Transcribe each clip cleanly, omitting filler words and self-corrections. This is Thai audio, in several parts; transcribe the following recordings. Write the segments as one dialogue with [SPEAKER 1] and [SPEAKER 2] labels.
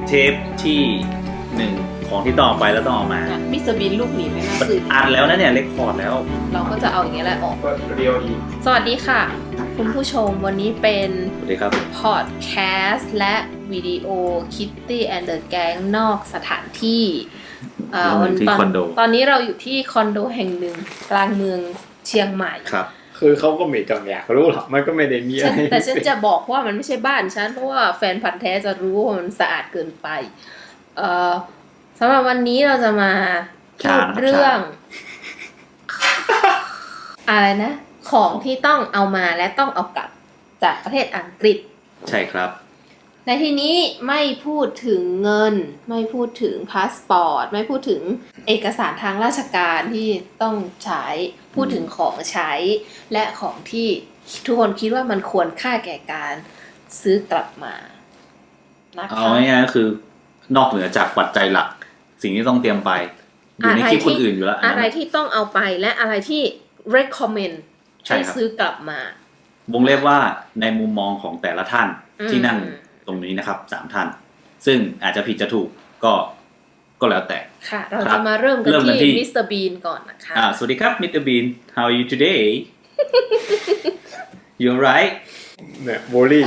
[SPEAKER 1] เทปที่1ของที่ต้องเอาไปแล้วต้องเอามา
[SPEAKER 2] มิสเตอร์บีนลูกหมีไม่น่าสื่อ
[SPEAKER 1] อัดแล้วนะเนี่ยเรคคอร์ดแล้ว
[SPEAKER 2] เราก็จะเอาอย่างเงี้ยแหละออก
[SPEAKER 3] ก็เรียวอีก
[SPEAKER 2] สวัสดีค่ะคุณผู้ชมวันนี้เป็น
[SPEAKER 1] สวัสดีครับ
[SPEAKER 2] พอดแคสต์และวิดีโอ Kitty and the Gang นอกสถานที่ตอนนี้เราอยู่ที่คอนโดแห่งหนึ่งกลางเมืองเชียงใหม่
[SPEAKER 1] ครับ
[SPEAKER 3] คือเขาก็ไม่ต้องอยากรู้หรอกมันก็ไม่ได้มีอะไร
[SPEAKER 2] แต่ฉันจะบอกว่ามันไม่ใช่บ้านฉันเพราะว่าแฟนพันธุ์แท้จะรู้ว่ามันสะอาดเกินไปสำหรับวันนี้เราจะมาพูดเรื่องอะไรนะของที่ต้องเอามาและต้องเอากลับจากประเทศอังกฤษ
[SPEAKER 1] ใช่ครับ
[SPEAKER 2] ในที่นี้ไม่พูดถึงเงินไม่พูดถึงพาสปอร์ตไม่พูดถึงเอกสารทางราชการที่ต้องใช้พูดถึงของใช้และของที่ทุกคนคิดว่ามันควรค่าแก่การซื้อกลับมานะคะ
[SPEAKER 1] เอาง่ายๆก็คือนอกเหนือจากปัจจัยหลักสิ่งที่ต้องเตรียมไปอยู่ในคลิปคนอื่นอยู่แล้ว
[SPEAKER 2] อะไรที่ต้องเอาไปและอะไรที่ recommend ให้ซื้อกลับมาว
[SPEAKER 1] งเล็บว่าในมุมมองของแต่ละท่านที่นั่งตรงนี้นะครับ3ท่านซึ่งอาจจะผิดจะถูกก็แล้วแต่
[SPEAKER 2] ค่ะเราจะมาเริ่มกันที่มิสเตอร์บีนก่อนนะคะ
[SPEAKER 1] สวัสดีครับมิสเตอร์บีน how are you today you alright
[SPEAKER 3] เนี่ยโบลี่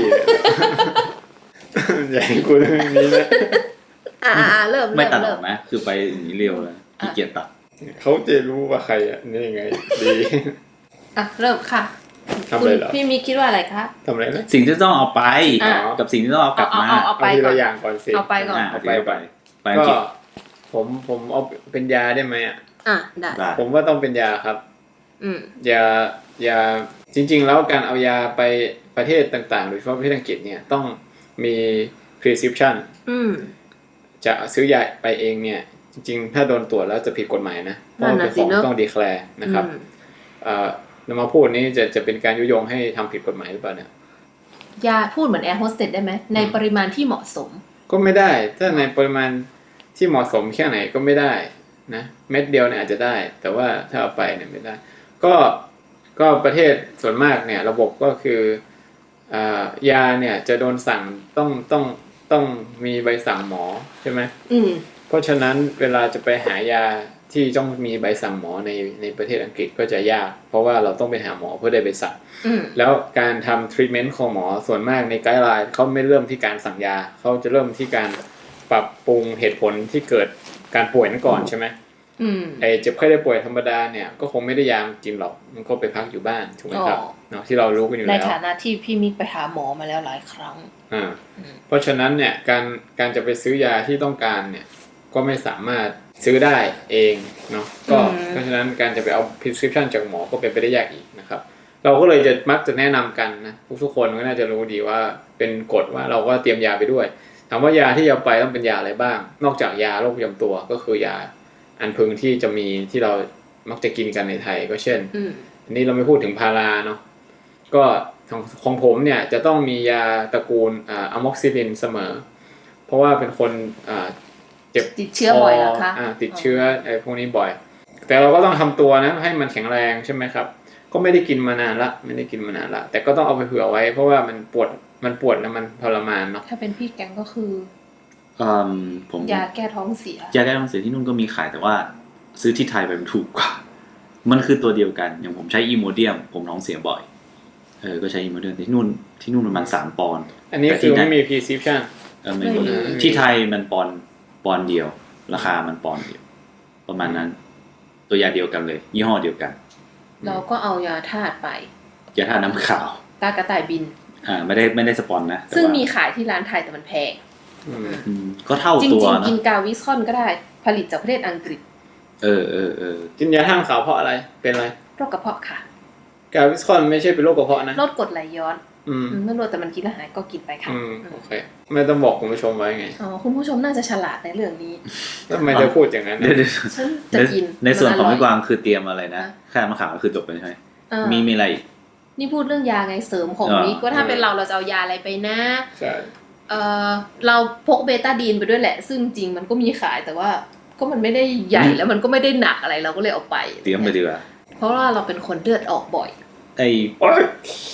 [SPEAKER 3] อย่างกูเรื่องนี้นะ
[SPEAKER 2] เริ่ม
[SPEAKER 1] ไม่ตัดออกนะคือไปอย่างนี้เร็วแล้วขี้เกียจตัด
[SPEAKER 3] เขาจะรู้ว่าใครอ่ะนี่ยังไงดี
[SPEAKER 2] เริ่มค่ะคุณพี่มีคิดว่าอะไรคะ
[SPEAKER 3] ทำอะไรนะ
[SPEAKER 1] สิ่งที่ต้องเอาไปกับสิ่งที่ต้องเอากลับมา
[SPEAKER 2] เอาไปก่อน
[SPEAKER 3] อย่างก่อนสิ
[SPEAKER 2] เอาไปก่อน
[SPEAKER 1] เอาไป
[SPEAKER 3] ก็ผมเอาเป็นยาได้ไหม
[SPEAKER 2] ได้
[SPEAKER 3] ผมว่าต้องเป็นยาครับยาจริงๆแล้วการเอายาไปประเทศต่างๆโดยเฉพาะประเทศอังกฤษเนี่ยต้องมี prescription จะซื้อยาไปเองเนี่ยจริงๆถ้าโดนตรวจแล้วจะผิดกฎหมายนะเพราะเป็นของต้อง declare นะครับเรามาพูดนี้จะเป็นการยุยงให้ทำผิดกฎหมายหรือเปล่าเนี่ย
[SPEAKER 2] ยาพูดเหมือนแอร์โฮสเตสได้ไหมในปริมาณที่เหมาะสม
[SPEAKER 3] ก็ไม่ได้ถ้าในปริมาณที่เหมาะสมแค่ไหนก็ไม่ได้นะเม็ดเดียวเนี่ยอาจจะได้แต่ว่าถ้าเอาไปเนี่ยไม่ได้ก็ประเทศส่วนมากเนี่ยระบบก็คือยาเนี่ยจะโดนสั่งต้องมีใบสั่งหมอใช่ไหมเพราะฉะนั้นเวลาจะไปหายาที่ต้องมีใบสั่งหมอในประเทศอังกฤษก็จะยากเพราะว่าเราต้องไปหาหมอเพื่อได้ใบสั่งแล้วการทำทรีทเมนต์ของหมอส่วนมากในไกด์ไลน์เขาไม่เริ่มที่การสั่งยาเขาจะเริ่มที่การปรับปรุงเหตุผลที่เกิดการป่วยนั้นก่อนใช่ไหมเจ็บไข้ได้ป่วยธรรมดาเนี่ยก็คงไม่ได้ยากินหรอกมันก็ไปพักอยู่บ้านถูกไหมครับเนาะที่เรารู้กันอยู่แล้ว
[SPEAKER 2] ในฐานะที่พี่มิกไปหาหมอมาแล้วหลายครั้ง
[SPEAKER 3] เพราะฉะนั้นเนี่ยการจะไปซื้อยาที่ต้องการเนี่ยก็ไม่สามารถซื้อได้เองเนาะก็เพราะฉะนั้นการจะไปเอา prescription จากหมอก็เป็นไปได้ยากอีกนะครับเราก็เลยจะมักจะแนะนำกันนะทุกคนก็น่าจะรู้ดีว่าเป็นกฎว่าเราก็เตรียมยาไปด้วยถามว่ายาที่เอาไปต้องเป็นยาอะไรบ้างนอกจากยาโรคประจำตัวก็คือยาอันพึงที่จะมีที่เรามักจะกินกันในไทยก็เช่นอันนี้เราไม่พูดถึงพาราเนาะก็ของผมเนี่ยจะต้องมียาตระกูลอะม็อกซิลินเสมอเพราะว่าเป็นคน
[SPEAKER 2] ติดเชื้อบ่อยเหรอคะ
[SPEAKER 3] ติดเชื้อไอ้พวกนี้บ่อยแต่เราก็ต้องทำตัวนะให้มันแข็งแรงใช่ไหมครับก็ไม่ได้กินมานานละแต่ก็ต้องเอาไปเผื่อไว้เพราะว่ามันปวดแล้วมันทรมานเนาะ
[SPEAKER 2] ถ้าเป็นพี่แกงก็คือ
[SPEAKER 1] ผม
[SPEAKER 2] ยาแก้ท้องเสีย
[SPEAKER 1] ที่นู่นก็มีขายแต่ว่าซื้อที่ไทยไปมันถูกกว่ามันคือตัวเดียวกันอย่างผมใช้อีโมเดียมผมท้องเสียบ่อยก็ใช้อีโมเดียมที่นู่นประมาณ3 ปอนด์
[SPEAKER 3] อันนี้คือไม่มี prescription
[SPEAKER 1] ไม่มีที่ไทยมันปอนด์เดียวราคามันปอนด์เดียวประมาณนั้นตัวยาเดียวกันเลยยี่ห้อเดียวกัน
[SPEAKER 2] เราก็เอายาธาตุไป
[SPEAKER 1] ยาธาตุน้ำขาว
[SPEAKER 2] ตากระต่ายบิน
[SPEAKER 1] ไม่ได้สปอนนะ
[SPEAKER 2] ซึ่งมีขายที่ร้านไทยแต่มันแพง
[SPEAKER 1] ก็เท่าตัวนะ
[SPEAKER 2] จริงๆกินกาวิสคอนก็ได้ผลิตจากประเทศอังกฤษ
[SPEAKER 3] กินยาธาตุขาวเพราะอะไรเป็นอะไร
[SPEAKER 2] โรคกระเพาะค่ะ
[SPEAKER 3] กาวิสคอนไม่ใช่เป็นโรคกระเพาะนะ
[SPEAKER 2] ลดกรดไหลย้อนไม่รู้แต่มันกินแล้วหายก็กินไปค่ะ
[SPEAKER 3] โอเคไม่ต้องบอกคุณผู้ชมไว้ไง
[SPEAKER 2] คุณผู้ชมน่าจะฉลาดในเรื่องนี้
[SPEAKER 3] ทำไมจะพูดอย่างนั้น
[SPEAKER 2] ฉันจะกิน
[SPEAKER 1] ในส่วนของพี่กวางคือเตรียมอะไรนะแค่มะขามก็คือจบไปใช่ไหมมีอะไร
[SPEAKER 2] นี่พูดเรื่องยาไงเสริมของนี้ก็ถ้าเป็นเราจะเอายาอะไรไปนะ
[SPEAKER 3] ใช่
[SPEAKER 2] เราพกเบต้าดีนไปด้วยแหละซึ่งจริงมันก็มีขายแต่ว่าก็มันไม่ได้ใหญ่แล้วมันก็ไม่ได้หนักอะไรเราก็เลยเอาไป
[SPEAKER 1] เตรียมไปดีกว่า
[SPEAKER 2] เพราะว่าเราเป็นคนเลือดออกบ่อย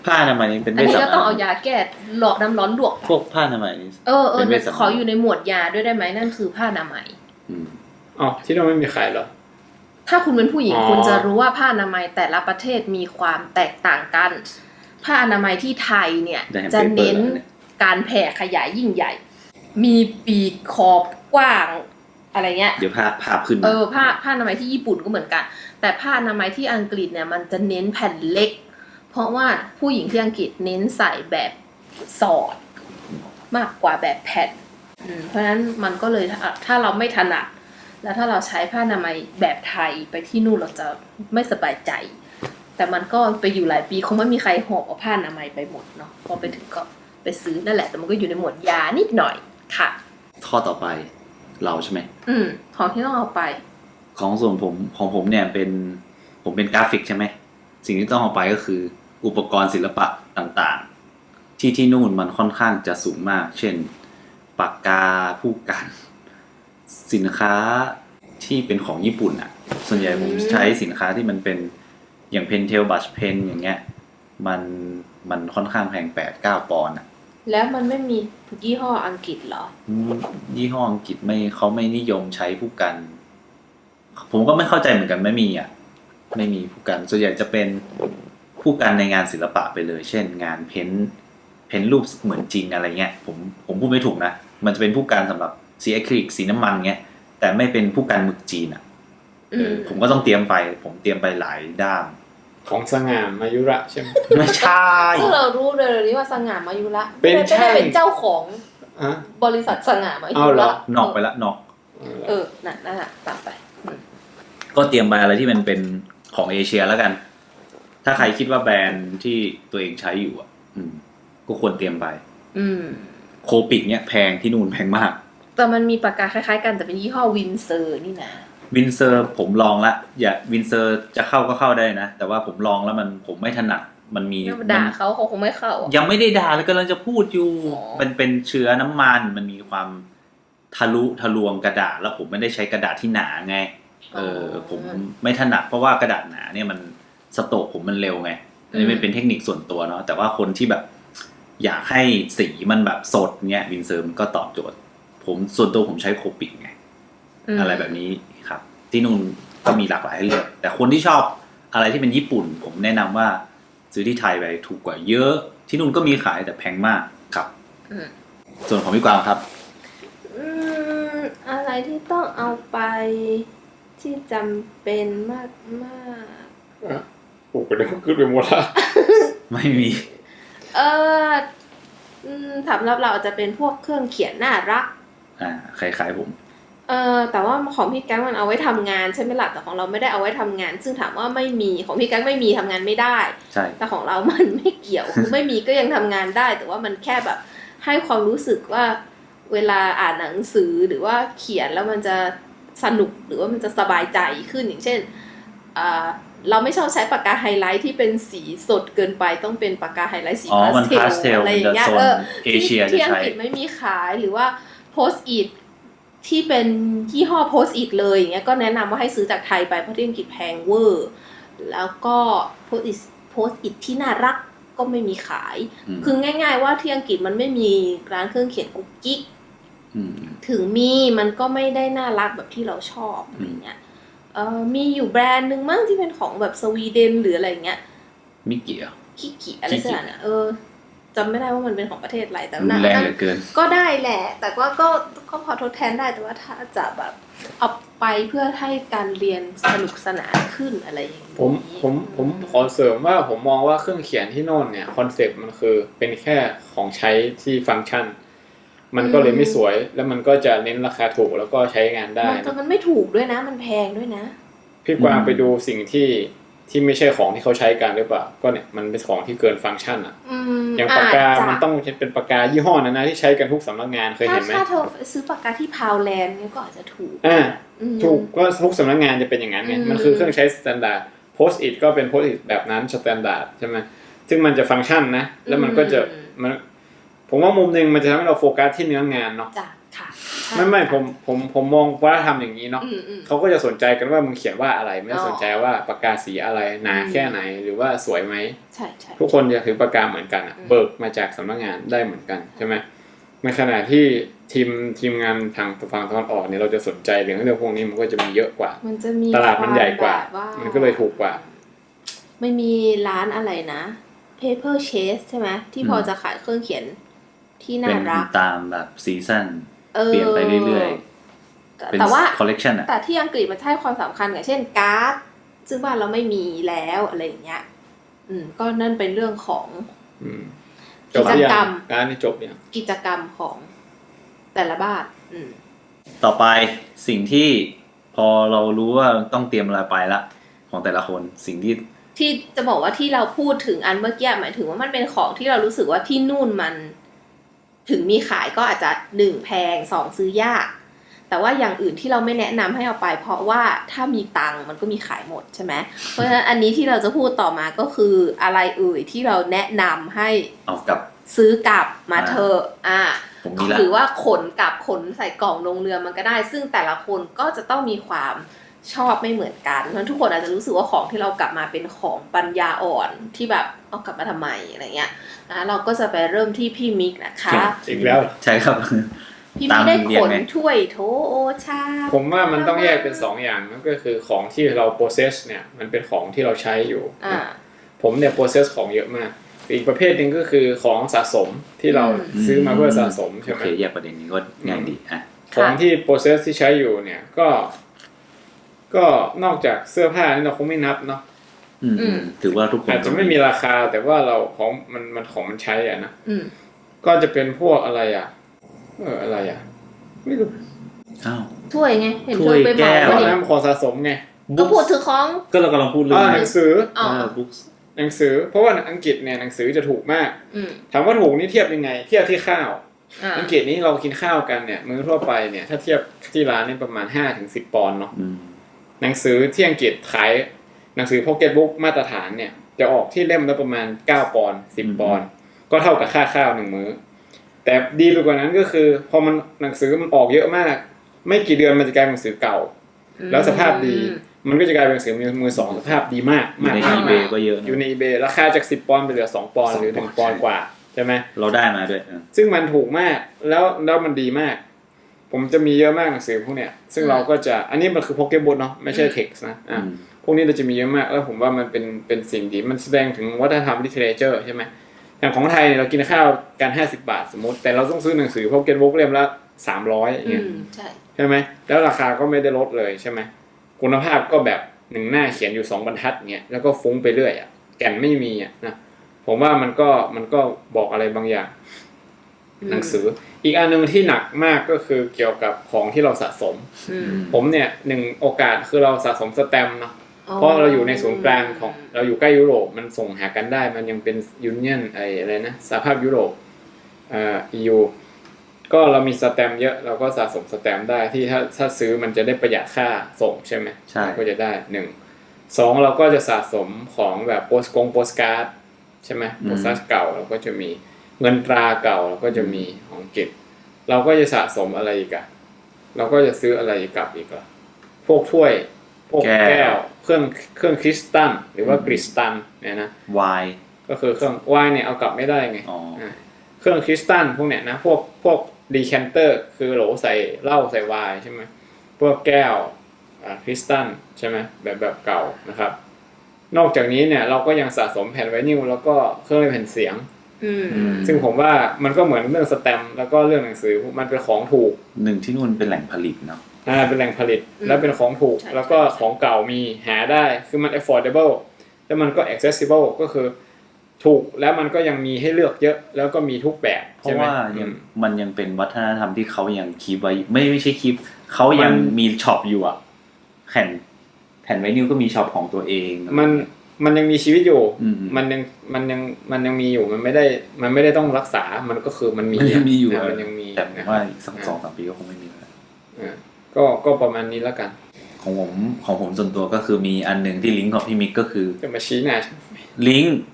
[SPEAKER 1] ผ้าอนามัยนี่เป็น
[SPEAKER 2] อัน
[SPEAKER 1] เวช
[SPEAKER 2] นี้
[SPEAKER 1] สำ
[SPEAKER 2] ก็ต้อง
[SPEAKER 1] อาง
[SPEAKER 2] เอายาแก้หลอดน้ำร้อนลวก
[SPEAKER 1] พวกผ้าอนามัยนี่ เป็นเวชสำอาง
[SPEAKER 2] ขออยู่ในหมวดยาด้วยได้ไหมนั่นคือผ้าอนามัย
[SPEAKER 1] อืม
[SPEAKER 3] อ๋อที่เราไม่มีขายเหรอ
[SPEAKER 2] ถ้าคุณเป็นผู้หญิง
[SPEAKER 3] อ๋อ
[SPEAKER 2] คุณจะรู้ว่าผ้าอนามัยแต่ละประเทศมีความแตกต่างกัน ผ้าอนามัยที่ไทยเนี่ย
[SPEAKER 1] ได้เห็น
[SPEAKER 2] จะ
[SPEAKER 1] paper
[SPEAKER 2] เน้น
[SPEAKER 1] แล้วเนี่ย
[SPEAKER 2] การแผ่ขยายยิ่งใหญ่ มีปีกขอบกว้างอะไรเงี้ย
[SPEAKER 1] เดี๋ยวภาพขึ้นมา
[SPEAKER 2] ผ้าอนามัยที่ญี่ปุ่นก็เหมือนกัน แต่ผ้าอนามัยที่อังกฤษเนี่ยมันจะเน้นแผ่นเล็ก เพราะว่าผู้หญิงที่อังกฤษเน้นใส่แบบสอด มากกว่าแบบแผ่นเพราะฉะนั้นมันก็เลยถ้าเราไม่ถนัดแล้วถ้าเราใช้ผ้าอนามัยแบบไทยไปที่นู่นเราจะไม่สบายใจ แต่มันก็ไปอยู่หลายปีคงไม่มีใครหอบเอาผ้าอนามัยไปหมดเนาะพอไปถึงก็ไปซื้อนั่นแหละแต่มันก็อยู่ในหมวดยานิดหน่อยค่ะ
[SPEAKER 1] ข้อต่อไปเราใช่ไหม
[SPEAKER 2] ของที่ต้องเอาไป
[SPEAKER 1] ของส่วนผมเนี่ยผมเป็นกราฟิกใช่ไหมสิ่งที่ต้องเอาไปก็คืออุปกรณ์ศิลปะต่างๆ ที่นู่นมันค่อนข้างจะสูงมาก เช่นปากกาผู้กันสินค้าที่เป็นของญี่ปุ่นอ่ะ ส่วนใหญ่ผมใช้สินค้าที่มันเป็นอย่างเพนเทลบัชเพนอย่างเงี้ยมันค่อนข้างแพง8-9 ปอนด์อ่ะ
[SPEAKER 2] แล้วมันไม่มียี่ห้ออังกฤษเหรอ
[SPEAKER 1] ยี่ห้ออังกฤษเขาไม่นิยมใช้ผู้กัน ผมก็ไม่เข้าใจเหมือนกันไม่มีผู้กันส่วนใหญ่จะเป็นผู้กันในงานศิลปะไปเลย เช่นงานเพ้นรูปเหมือนจริงอะไรเงี้ยผมพูดไม่ถูกนะมันจะเป็นผู้กันสำหรับสีอะคริลิกสีน้ำมันเงี้ยแต่ไม่เป็นผู้กันหมึกจีนอ่ะผมก็ต้องเตรียมไปหลายด้าม
[SPEAKER 3] ของสง่ามายุระใช่ไหม
[SPEAKER 1] ไม่ใช่
[SPEAKER 2] ซึ่งเรารู้เลยนี้ว่าสง่ามายุระ
[SPEAKER 3] เป็น
[SPEAKER 2] ไม่ได้เป็นเจ้าของ
[SPEAKER 3] อ่ะ
[SPEAKER 2] บริษัทสง่ามายุ
[SPEAKER 3] เอาเหร
[SPEAKER 2] ระ
[SPEAKER 3] อ
[SPEAKER 1] นอกไปละนอก
[SPEAKER 2] นั่นน่ะตามไป
[SPEAKER 1] ก็เตรียมไปอะไรที่มันเป็นของเอเชียแล้วกัน ถ้าใครคิดว่าแบรนด์ที่ตัวเองใช้อยู่อ่ะก็ควรเตรียมไปโคปิกเนี่ยแพงที่นู่นแพงมาก
[SPEAKER 2] แต่มันมีปากกาคล้ายๆกันแต่เป็นยี่ห้อวินเซอร์นี่นะ
[SPEAKER 1] วินเซอร์ผมลองละวินเซอร์จะเข้าก็เข้าได้นะแต่ว่าผมลองแล้วผมไม่ถนัดมันมี
[SPEAKER 2] ด่าเขาคงไม่เข้าอ่ะ
[SPEAKER 1] ยังไม่ได้ด่าเลยกำลังจะพูดอยู่
[SPEAKER 2] อ๋อ
[SPEAKER 1] เป็นเชื้อน้ำมันมันมีความทะลวงกระดาษแล้วผมไม่ได้ใช้กระดาษที่หนาไงผมไม่ถนัดเพราะว่ากระดาษหนาเนี่ยมันสโตรกผมมันเร็วไงอันนี้เป็นเทคนิคส่วนตัวเนาะแต่ว่าคนที่แบบอยากให้สีมันแบบสดเนี่ยวินเซอร์มันก็ตอบโจทย์ส่วนตัวผมใช้โคปิกไงอะไรแบบนี้ครับที่นู่นก็มีหลากหลายให้เลือกแต่คนที่ชอบอะไรที่เป็นญี่ปุ่นผมแนะนำว่าซื้อที่ไทยไปถูกกว่าเยอะที่นู่นก็มีขายแต่แพงมากครับส่วนของพี่กวางครับ
[SPEAKER 2] อะไรที่ต้องเอาไปที่จำเป็นมาก
[SPEAKER 3] โอ้โหเดี๋ยวขึ้นไปหมดละ
[SPEAKER 1] ไม่มี
[SPEAKER 2] สำหรับเราอาจจะเป็นพวกเครื่องเขียนน่ารัก
[SPEAKER 1] คล้ายๆผม
[SPEAKER 2] แต่ว่าของพี่แก๊งมันเอาไว้ทำงานใช่ไหมล่ะแต่ของเราไม่ได้เอาไว้ทำงาน ซึ่งถามว่าไม่มีของพี่แก๊งไม่มีทำงานไม่ได้
[SPEAKER 1] ใช่
[SPEAKER 2] แต่ของเรามันไม่เกี่ยว คือไม่มีก็ยังทำงานได้ แต่ว่ามันแค่แบบให้ความรู้สึกว่าเวลาอ่านหนังสือหรือว่าเขียนแล้วมันจะสนุกหรือว่ามันจะสบายใจขึ้นอย่างเช่นเราไม่ชอบใช้ปากกาไฮไลท์ที่เป็นสีสดเกินไปต้องเป็นปากกาไฮไลท์สี
[SPEAKER 1] มัน
[SPEAKER 2] พาสเทล
[SPEAKER 1] pastel
[SPEAKER 2] อะไรอย่างเงี้ย
[SPEAKER 1] มันจะโซนเอเชีย
[SPEAKER 2] ที่
[SPEAKER 1] จะ
[SPEAKER 2] อัง
[SPEAKER 1] ใช้
[SPEAKER 2] กฤษไม่มีขายหรือว่าโพสต์อิทที่เป็นยี่ห้อโพสต์อิทเลยอย่างเงี้ยก็แนะนำว่าให้ซื้อจากไทยไปเพราะที่อังกฤษแพงเวอร์แล้วก็โพสต์อิทที่น่ารักก็ไม่มีขายคือง่ายๆว่าที่อังกฤษมันไม่มีร้านเครื่องเขียนกุ๊กกิ๊กถึงมีมันก็ไม่ได้น่ารักแบบที่เราชอบอะไรเงี้ยมีอยู่แบรนด์หนึ่งมั้งที่เป็นของแบบสวีเดนหรืออะไรเงี้ย
[SPEAKER 1] มิกิอ่ะ
[SPEAKER 2] คิกิอะไรสักอย่างเนี่ยจำไม่ได้ว่ามันเป็นของประเทศอะไรแต่
[SPEAKER 1] รุนแรงเหลือเกิน
[SPEAKER 2] ก็ได้แหละแต่ว่าก็พอทดแทนได้แต่ว่าถ้าจะแบบเอาไปเพื่อให้การเรียนสนุกสนานขึ้นอะไรอย่างนี้
[SPEAKER 3] ผมขอเสริมว่าผมมองว่าเครื่องเขียนที่โน่นเนี่ยคอนเซ็ปต์มันคือเป็นแค่ของใช้ที่ฟังก์ชันมันก็เลยไม่สวยแล้วมันก็จะเน้นราคาถูกแล้วก็ใช้งานได้
[SPEAKER 2] แต่มันไม่ถูกด้วยนะมันแพงด้วยนะ
[SPEAKER 3] พี่กวางไปดูสิ่งที่ไม่ใช่ของที่เขาใช้กันหรือเปล่าก็เนี่ยมันเป็นของที่เกินฟังก์ชันอ่ะอย่างปากกามันต้องเป็นปากกายี่ห้อนั้นนะที่ใช้กันทุกสำนักงานเคยเห็นไหม
[SPEAKER 2] ถ้าเธอซื้อปากกาที่พาวแลนด์เนี่ยก็อาจจะถูก
[SPEAKER 3] ถูกก็ทุกสำนักงานจะเป็นอย่างนั้นไงมันคือเครื่องใช้สแตนดาร์ดโพสต์อิทก็เป็นโพสต์อิทแบบนั้นสแตนดาร์ดใช่ไหมซึ่งมันจะฟังก์ชันนะแล้วมันก็จะผมว่ามุมนึงมันจะทำให้เราโฟกัสที่เนื้องานเนาะ
[SPEAKER 2] จ้ะค่ะใช่
[SPEAKER 3] ไม่ผมมองวัฒนธรรมอย่างนี้เนาะ
[SPEAKER 2] อืม
[SPEAKER 3] เขาก็จะสนใจกันว่ามึงเขียนว่าอะไรไม่ได้สนใจว่าปากกาสีอะไรหนาแค่ไหนหรือว่าสวยไหม
[SPEAKER 2] ใช่
[SPEAKER 3] ทุกคนจะถือปากกาเหมือนกันเบิกมาจากสำนักงานได้เหมือนกันใช่ไหมในขณะที่ทีมงานทางฝั่งตะวันออกเนี่ยเราจะสนใจเรื่องพวกนี้มันก็จะมีเยอะกว่า
[SPEAKER 2] มันจะมี
[SPEAKER 3] ตลาดมันใหญ่กว่า
[SPEAKER 2] แบบ
[SPEAKER 3] มันก็เลยถูกกว่า
[SPEAKER 2] ไม่มีร้านอะไรนะ paper chase ใช่ไหมที่พอจะขายเครื่องเขียนที่น่า
[SPEAKER 1] เป็น
[SPEAKER 2] รัก
[SPEAKER 1] ตามแบบซีซั่นเปลี่ยนไปเรื่อยๆเป็น
[SPEAKER 2] แต่ว่า
[SPEAKER 1] คอลเลกชันอ่ะ
[SPEAKER 2] แต่ที่อังกฤษมันให้ความสำคัญกับเช่นการ์ดซึ่งบ้านเราไม่มีแล้วอะไรอย่างเงี้ยก็นั่นเป็นเรื่องของ
[SPEAKER 3] จบหรือยังการนี่จบยัง
[SPEAKER 2] กิจกรรมของแต่ละบ้าน
[SPEAKER 1] ต่อไปสิ่งที่พอเรารู้ว่าต้องเตรียมอะไรไปละของแต่ละคนสิ่งที่
[SPEAKER 2] จะบอกว่าที่เราพูดถึงอันเมื่อกี้หมายถึงว่ามันเป็นของที่เรารู้สึกว่าที่นู่นมันถึงมีขายก็อาจจะ1แพง2ซื้อยากแต่ว่าอย่างอื่นที่เราไม่แนะนำให้เอาไปเพราะว่าถ้ามีตังค์มันก็มีขายหมดใช่ไหมเพราะฉะนั้นอันนี้ที่เราจะพูดต่อมาก็คืออะไรที่เราแนะนำให้
[SPEAKER 1] เอากับ
[SPEAKER 2] ซื้อกลับมาเถอะ
[SPEAKER 1] ผมมีละ
[SPEAKER 2] หรือว่าขนกลับขนใส่กล่องลงเรือมันก็ได้ ซึ่งแต่ละคนก็จะต้องมีความชอบไม่เหมือนกันเพราะฉะนั้นทุกคนอาจจะรู้สึกว่าของที่เรากลับมาเป็นของปัญญาอ่อนที่แบบเอากลับมาทำไมอะไรเงี้ยนะเราก็จะไปเริ่มที่พี่มิกนะคะ
[SPEAKER 3] อีกแล้ว
[SPEAKER 1] ใช่ครับ
[SPEAKER 2] พี่มิกได้ขนถ้วยโถโอชา
[SPEAKER 3] ผมว่ามันต้องแยกเป็น2อย่างนั่นก็คือของที่เรา process เนี่ยมันเป็นของที่เราใช้อยู่ผมเนี่ย process ของเยอะมากอีกประเภทหนึ่งก็คือของสะสมที่เราซื้อมาเพื่อสะสมใช่ไหม
[SPEAKER 1] โอเคแยกประเด็นนี้ก็ง่ายดี
[SPEAKER 3] ของที่ process ที่ใช้อยู่เนี่ยก็นอกจากเสื้อผ้านี่เราคงไม่นับเนาะ
[SPEAKER 1] ถือว่าทุกคน
[SPEAKER 3] อาจจะไม่มีราคาแต่ว่าเราของมันของมันใช้อ่ะนะก็จะเป็นพวกอะไรอะไรไม่รู้
[SPEAKER 2] ถ้วยไงเห็น
[SPEAKER 1] ถ้วยแก้ว
[SPEAKER 3] น้ำของสะสมไง
[SPEAKER 2] ก็พูดถึงของ
[SPEAKER 1] ก็เรากำลังพูดเรื่อง
[SPEAKER 3] หนังสือ
[SPEAKER 1] บุ๊ก
[SPEAKER 3] หนังสือเพราะว่าอังกฤษเนี่ยหนังสือจะถูกมากถามว่าถูกนี่เทียบยังไงเทียบที่ข้าวอังกฤษนี้เรากินข้าวกันเนี่ยมื้อทั่วไปเนี่ยถ้าเทียบที่ร้านนี่ประมาณ 5-10 ปอนด์เนาะหนังสือที่อังกฤษขายหนังสือพ็อกเก็ตบุ๊กมาตรฐานเนี่ยจะออกที่เล่มละประมาณ9 ปอนด์10 ปอนด์ก็เท่ากับค่าข้าว1มื้อแต่ดีไปกว่านั้นก็คือพอมันหนังสือมันออกเยอะมากไม่กี่เดือนมันจะกลายเป็นหนังสือเก่าแล้วสภาพดีมันก็จะกลายเป็นหนังสือมือสองสภาพดีมากมากใน
[SPEAKER 1] eBay ก็เยอะ
[SPEAKER 3] อยู่ใน eBay ราคาจาก10 ปอนด์ไปเหลือ2 ปอนด์หรือ1 ปอนด์กว่าใช่ไหม
[SPEAKER 1] เราได้มาด้วย
[SPEAKER 3] ซึ่งมันถูกมากแล้วมันดีมากผมจะมีเยอะมากหนังสือพวกเนี้ยซึ่งเราก็จะอันนี้มันคือ Pocket Book เนาะไม่ใช่ Text นะพวกนี้เราจะมีเยอะมากแล้วผมว่ามันเป็นสิ่งดีมันแสดงถึงวัฒนธรรม literature ใช่ไหมอย่างของไทยเนี่ยเรากินข้าวกัน50 บาทสมมติแต่เราต้องซื้อหนังสือ Pocket Book เล่มละ300อย่างเงี้ยใช่ไหมแล้วราคาก็ไม่ได้ลดเลยใช่ไหมคุณภาพก็แบบ1 หน้าเขียนอยู่2 บรรทัดเงี้ยแล้วก็ฟุ้งไปเรื่อยอ่ะแก่นไม่มีอ่ะนะผมว่ามันก็บอกอะไรบางอย่างหนังสืออีกอันนึงที่หนักมากก็คือเกี่ยวกับของที่เราสะสมผมเนี่ย1โอกาสคือเราสะสมสแตมป์เนาะเพราะเราอยู่ในศูนย์กลางของเราอยู่ใกล้ยุโรปมันส่งหากันได้มันยังเป็นยูเนียนอะไรนะสหภาพยุโรปEU ก็เรามีสแตมป์เยอะเราก็สะสมสแตมป์ได้ที่ถ้าซื้อมันจะได้ประหยัดค่าส่งใช่ไหม
[SPEAKER 1] ใช่
[SPEAKER 3] ก็จะได้2เราก็จะสะสมของแบบโปสการ์ดใช่ไหมโปสการ์ดเก่าเราก็จะมีเงินตราเก่าเราก็จะมีของเก็บเราก็จะสะสมอะไรอีกอะเราก็จะซื้ออะไรกลับอีกอะพวกถ้วยพวกแก้วเครื่องคริสตัลหรือว่ากริสตัลเนี่ยนะ
[SPEAKER 1] ไวน์
[SPEAKER 3] ก็คือเครื่องไวน์เนี่ยเอากลับไม่ได้ไงเครื่องคริสตัลพวกเนี้ยนะพวกดีแคนเตอร์คือโหลใส่เหล้าใส่ไวน์ใช่ไหมพวกแก้วคริสตัลใช่ไหมแบบเก่านะครับนอกจากนี้เนี่ยเราก็ยังสะสมแผ่นไวนิลแล้วก็เครื่องเล่นแผ่นเสียงซึ่งผมว่ามันก็เหมือนเรื่องสแตมป์แล้วก็เรื่องหนังสือมันเป็นของถูก
[SPEAKER 1] ที่นู่นเป็นแหล่งผลิตเนาะ
[SPEAKER 3] เป็นแหล่งผลิตแล้วเป็นของถูกแล้วก็ของเก่ามีหาได้คือมัน affordable แล้วมันก็ accessible ก็คือถูกแล้วมันก็ยังมีให้เลือกเยอะแล้วก็มีทุกแบบ
[SPEAKER 1] เพราะว่ามันยังเป็นวัฒนธรรมที่เขายังคีปไว้ไม่ใช่คีปเขายังมีช็อปอยู่อ่ะแผ่นไวนิลก็มีช็อปของตัวเอง
[SPEAKER 3] มันยังมีชีวิตอยู่มันยังมีอยู่มันไม่ได้ต้องรักษามันก็คือมันมี
[SPEAKER 1] อยู่
[SPEAKER 3] มันยังมี
[SPEAKER 1] แต่ว่าอีก2-3 ปีก็คงไม่มีแล้ว
[SPEAKER 3] ก็ประมาณนี้แล้วกัน
[SPEAKER 1] ของผมส่วนตัวก็คือมีอันนึงที่ลิงก์ของพี่มิกก็คือ
[SPEAKER 3] จะมาชี้หน้า
[SPEAKER 1] ลิงก์กับ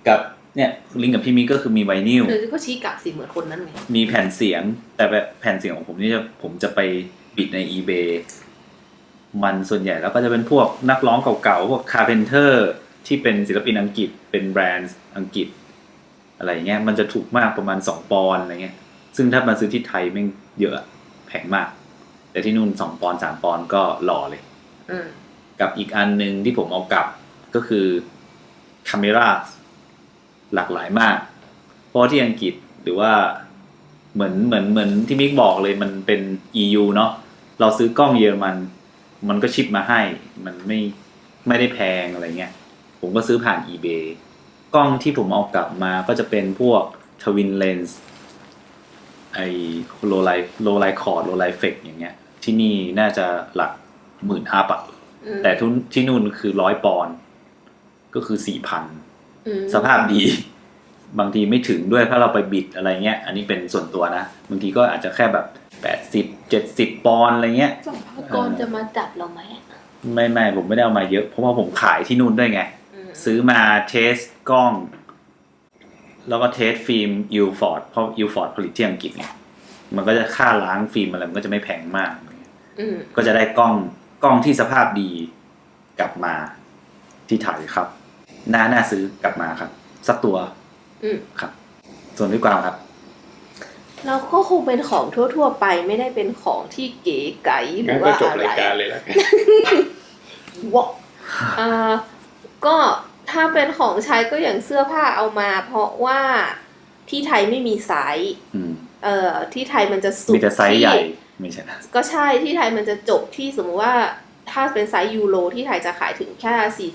[SPEAKER 1] เนี่ยลิงก์กับพี่มิกก็คือมีไวนิล
[SPEAKER 2] หรือก็ชี้กลับสิเหมือนคนนั้นไง
[SPEAKER 1] มีแผ่นเสียงแต่แบบแผ่นเสียงของผมนี่ผมจะไปบิดใน eBay มันส่วนใหญ่แล้วก็จะเป็นพวกนักร้องเก่าๆพวก Carpenter ที่เป็นศิลปินอังกฤษเป็นแบรนด์อังกฤษอะไรเงี้ยมันจะถูกมากประมาณ2 ปอนด์อะไรเงี้ยซึ่งถ้ามาซื้อที่ไทยแม่งเยอะแพงมากแต่ที่นู่น2 ปอนด์3 ปอนด์ก็หล่อเลยกับอีกอันนึงที่ผมเอากลับก็คือ Camera หลากหลายมากเพราะที่อังกฤษหรือว่าเหมือนที่มิกบอกเลยมันเป็น EU เนาะเราซื้อกล้องเยอรมันก็ชิปมาให้มันไม่ได้แพงอะไรเงี้ยผมก็ซื้อผ่าน eBay กล้องที่ผมเอากลับมาก็จะเป็นพวก Twin Lens ไอ้ low light cord low light effect อย่างเงี้ยที่นี่น่าจะหลัก10,000 อัพอะแต่ที่นู่นคือ100 ปอนด์ก็คือ 4,000 สภาพดีบางทีไม่ถึงด้วยถ้าเราไปบิดอะไรเงี้ยอันนี้เป็นส่วนตัวนะบางทีก็อาจจะแค่แบบ80-70 ปอนด์อะไรเงี้ย
[SPEAKER 2] สัมภากรจะมาจับเราไหม
[SPEAKER 1] ไม่ผมไม่ได้เอามาเยอะเพราะว่าผมขายที่นู่นด้วยไงซื้อมาเทสกล้องแล้วก็เทสฟิล์มอิลฟอร์ดเพราะอิลฟอร์ดผลิตที่อังกฤษไงมันก็จะค่าล้างฟิล์มอะไรมันก็จะไม่แพงมากก็จะได้กล้องที่สภาพดีกลับมาที่ไทยครับน่าซื้อกลับมาครับสักตัวครับส่วนพี่กวางครับ
[SPEAKER 2] เราก็คงเป็นของทั่วๆไปไม่ได้เป็นของที่เก๋ไก๋หรือว่าอะไรก็จบรายการเลยแล้วกันว้าก็ถ้าเป็นของใช้ก็อย่างเสื้อผ้าเอามาเพราะว่าที่ไทยไม่มีไซส์ที่ไทยมันจะสุด
[SPEAKER 1] มีแต่ไซส์ใหญ่ไม่ใช่
[SPEAKER 2] ก็ใช่ที่ไทยมันจะจบที่สมมติว่าถ้าเป็นไซส์ยูโรที่ไทยจะขายถึงแค่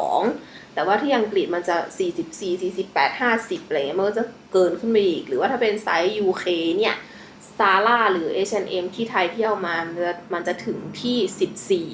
[SPEAKER 2] 42แต่ว่าที่อังกฤษมันจะ44 48 50อะไรเงี้ยมันก็จะเกินขึ้นไปอีกหรือว่าถ้าเป็นไซส์ UK เนี่ยซาร่าหรือ H&M ที่ไทยที่เอามามันจะถึงที่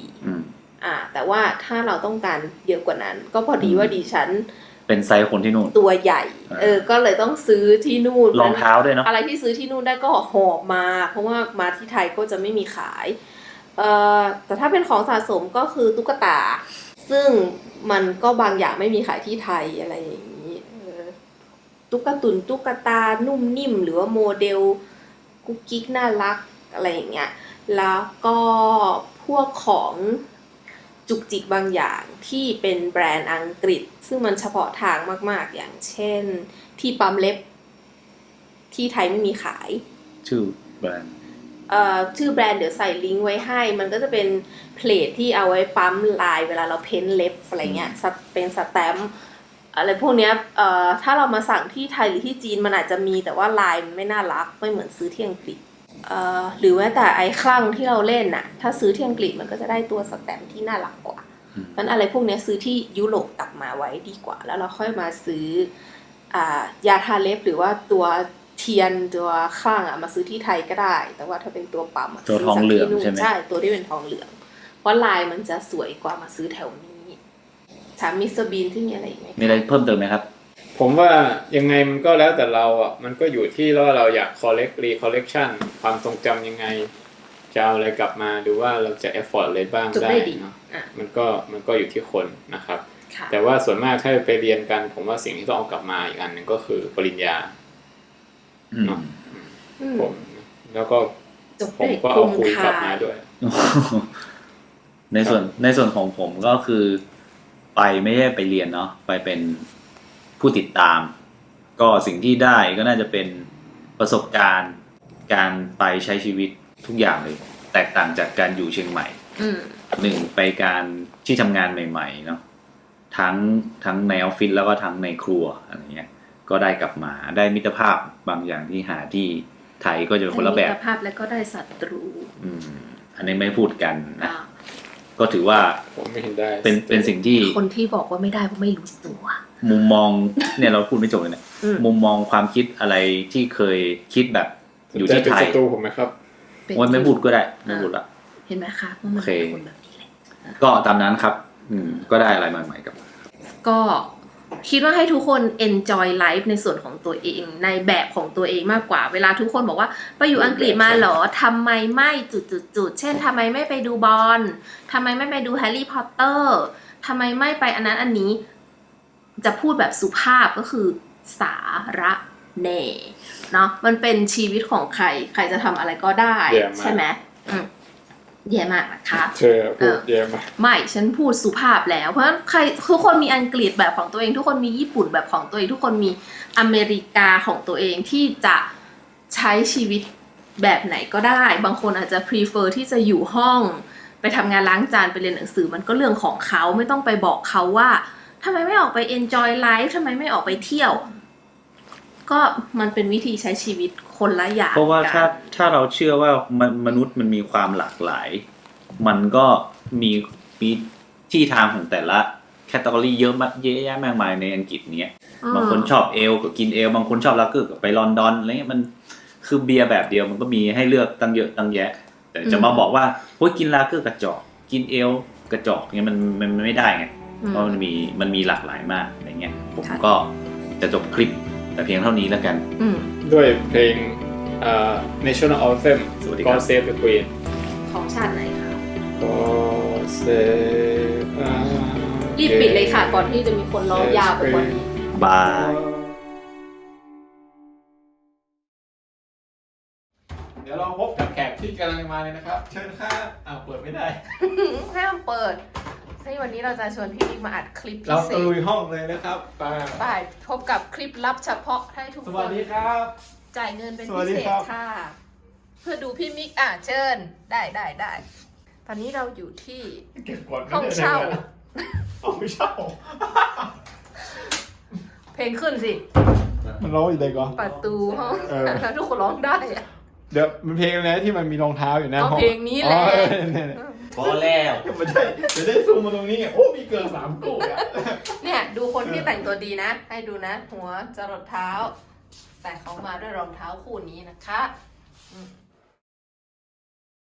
[SPEAKER 2] 14แต่ว่าถ้าเราต้องการเยอะกว่านั้นก็พอดีว่าดิฉัน
[SPEAKER 1] เป็นไซส์คนที่นู่น
[SPEAKER 2] ตัวใหญ่ก็เลยต้องซื้อที่นู่น
[SPEAKER 1] รองเท้าด้วยเนาะ
[SPEAKER 2] อะไรที่ซื้อที่นู่นได้ก็หอบมาเพราะว่ามาที่ไทยก็จะไม่มีขายแต่ถ้าเป็นของสะสมก็คือตุ๊กตาซึ่งมันก็บางอย่างไม่มีขายที่ไทยอะไรอย่างนี้ตุ๊กตานุ่มนิ่มหรือว่าโมเดลกุ๊กกิ๊กน่ารักอะไรอย่างเงี้ยแล้วก็พวกของจุกจิกบางอย่างที่เป็นแบรนด์อังกฤษซึ่งมันเฉพาะทางมากๆอย่างเช่นที่ปั๊มเล็บที่ไทยไม่มีขาย
[SPEAKER 1] ชื่อแบรนด์
[SPEAKER 2] ชื่อแบรนด์เดี๋ยวใส่ลิงก์ไว้ให้มันก็จะเป็นเพลทที่เอาไว้ปั๊มลายเวลาเราเพ้นเล็บอะไรเงี้ยเป็นสแตมป์อะไรพวกเนี้ยถ้าเรามาสั่งที่ไทยหรือที่จีนมันอาจจะมีแต่ว่าลายมันไม่น่ารักไม่เหมือนซื้อที่อังกฤษหรือแม้แต่ไอ้คลั่งที่เราเล่นน่ะถ้าซื้อที่อังกฤษมันก็จะได้ตัวสแตมป์ที่น่ารักกว่าเพราะอะไรพวกนี้ซื้อที่ยุโรปกลับมาไว้ดีกว่าแล้วเราค่อยมาซื้อยาทาเล็บหรือว่าตัวเทียนตัวข้างมาซื้อที่ไทยก็ได้แต่ว่าถ้าเป็นตัวปั๊ม
[SPEAKER 1] ตัวทองเหลืองใช่ไหม
[SPEAKER 2] ใช่ตัวที่เป็นทองเหลืองเพราะลายมันจะสวยกว่ามาซื้อแถวนี้ถามมิสเตอร์บีนที่มีอะไรไหม
[SPEAKER 1] มีอะไรเพิ่มเติมไหมครับ
[SPEAKER 3] ผมว่ายังไงมันก็แล้วแต่เรามันก็อยู่ที่ว่าเราอยาก collection ความทรงจำยังไงจะเอาอะไรกลับมาดูว่าเราจะ effort อะไรบ้างได้เนาะมันก็อยู่ที่คนนะครับแต่ว่าส่วนมากถ้าไปเรียนกันผมว่าสิ่งที่ต้องเอากลับมาอีกอันหนึ่งก็คือปริญญาเนาะผมแล้วก็ผมก็เอาคุยกลับมาด้วย
[SPEAKER 1] ในส่วนของผมก็คือไปไม่ได้ไปเรียนเนาะไปเป็นผู้ติดตามก็สิ่งที่ได้ก็น่าจะเป็นประสบการณ์การไปใช้ชีวิตทุกอย่างเลยแตกต่างจากการอยู่เชียงใหม่1ไปการที่ทำงานใหม่ๆเนาะทั้งในออฟฟิศแล้วก็ทั้งในครัวอะไรเงี้ยก็ได้กลับมาได้มิตรภาพบางอย่างที่หาที่ไทยก็จะเป็นคนละแบบ
[SPEAKER 2] มิตรภาพแล้วก็ได้ศัตรู
[SPEAKER 1] อันนี้ไม่พูดกันนะก็ถือว่า
[SPEAKER 3] ผมไม่เห็นได้
[SPEAKER 1] เป็นสิ่งที่
[SPEAKER 2] คนที่บอกว่าไม่ได้เพราะไม่รู้ตัว
[SPEAKER 1] มุมมองเนี่ยเราพูดไม่จบเลยเนี่ยมุมมองความคิดอะไรที่เคยคิดแบบอยู่ที่ไทย
[SPEAKER 3] เป็นศัตรูผมไหมครับ
[SPEAKER 1] วันไม่พูดก็ได้ไม่พูดละ
[SPEAKER 2] เห็นไหมคะว่ามันเป็นคนแบบนี้แหละ
[SPEAKER 1] ก็ตามนั้นครับก็ได้อะไรใหม่ๆกับ
[SPEAKER 2] ก็คิดว่าให้ทุกคน enjoy life ในส่วนของตัวเองในแบบของตัวเองมากกว่าเวลาทุกคนบอกว่าไปอยู่อังกฤษมาเหรอทำไมไม่จุดๆเช่นทำไมไม่ไปดูบอลทำไมไม่ไปดูแฮร์รี่พอตเตอร์ทำไมไม่ไปอันนั้นอันนี้จะพูดแบบสุภาพก็คือสาระแหน่เนาะมันเป็นชีวิตของใครใครจะทำอะไรก็ได้
[SPEAKER 3] แย่มาก
[SPEAKER 2] ใช่ไหมแย่มากนะคะ
[SPEAKER 3] เธอพูดเยอะมาก
[SPEAKER 2] ไม่ฉันพูดสุภาพแล้วเพราะฉะนั้นใครทุกคนมีอังกฤษแบบของตัวเองทุกคนมีญี่ปุ่นแบบของตัวเองทุกคนมีอเมริกาของตัวเองที่จะใช้ชีวิตแบบไหนก็ได้บางคนอาจจะ prefer ที่จะอยู่ห้องไปทำงานล้างจานไปเรียนหนังสือมันก็เรื่องของเขาไม่ต้องไปบอกเขาว่าทำไมไม่ออกไป enjoy life ทำไมไม่ออกไปเที่ยวก็มันเป็นวิธีใช้ชีวิตคนละอย่าง
[SPEAKER 1] เพราะว่า
[SPEAKER 2] กัน
[SPEAKER 1] ถ้าเราเชื่อว่ามนุษย์มันมีความหลากหลาย มันก็มีที่ทางของแต่ละแคตตาล็อเยอะมากเยอะแยะมากมายในอังกฤษเนี้ยบางคนชอบเอลก็กินเอลบางคนชอบลาเกอร์ก็ไปลอนดอนอะไรเงี้ยมันคือเบียร์แบบเดียวมันก็มีให้เลือกตั้งเยอะตั้งแยะ แต่จะมาบอกว่าโอ้ยกินลาเกอร์กระจอกกินเอลกระจอกเงี้ยมันไม่ได้ไงเพราะมันมีหลากหลายมากอะไรเงี้ยผมก็จะจบคลิปแต่เพียงเท่านี้แล้วกัน
[SPEAKER 3] ด้วยเพลงNational Anthem
[SPEAKER 1] สวัสดีครับ
[SPEAKER 3] God Save the Queen
[SPEAKER 2] ของชาติไหนคะ
[SPEAKER 3] God Save
[SPEAKER 2] รีบปิดเลยค่ะก่อนที่จะมีคนร้องยาวไปกว่านี้
[SPEAKER 1] บาย
[SPEAKER 3] เดี๋ยวเราพบกับแขกที่กำลังมาเลยนะครับ เชิญครับเปิดไม่ได้
[SPEAKER 2] ห้ามเปิดให้วันนี้เราจะชวนพี่บิ๊กมาอัดคลิปพิ
[SPEAKER 3] เรา
[SPEAKER 2] เศ
[SPEAKER 3] ตะลุ
[SPEAKER 2] ษ
[SPEAKER 3] ยห้องเลยนะครับไป
[SPEAKER 2] ไปพบกับคลิปลับเฉพาะให้ทุก
[SPEAKER 3] ส
[SPEAKER 2] ค
[SPEAKER 3] วัส
[SPEAKER 2] น
[SPEAKER 3] ดีครับ
[SPEAKER 2] จ่ายเงินเป็น
[SPEAKER 3] สวั
[SPEAKER 2] พิ
[SPEAKER 3] สดี
[SPEAKER 2] เศษ
[SPEAKER 3] ครับ
[SPEAKER 2] ค่ะ เพื่อดูพี่มิกเชิญได้ตอนนี้เราอยู่ที่
[SPEAKER 3] เก็บกด
[SPEAKER 2] ห้องเช่า
[SPEAKER 3] ห้องเช่า
[SPEAKER 2] เพลงขึ้นสิ
[SPEAKER 3] มันร้องอยู่ไหนก่อน
[SPEAKER 2] ประตูห้อง
[SPEAKER 3] เออ
[SPEAKER 2] ทุกคนร้องได้อะ
[SPEAKER 3] เดี๋ยวมันเพลงอะไรที่มันมีรองเท้าอยู่หน้า
[SPEAKER 2] ก็
[SPEAKER 3] ห้อง
[SPEAKER 2] เพลงนี้แหละ
[SPEAKER 3] อ๋อเนี่ย
[SPEAKER 1] พอแล้ว
[SPEAKER 3] ไม่ใช่จะได้ซูมมาตรงนี้โอ้มีเกิน3กูอ่ะ
[SPEAKER 2] เนี่ยดูคนที่แต่งตัวดีนะ ให้ดูนะ หัวจรดเท้า แต่เขามาด้วยรองเท้าคู่นี้นะคะ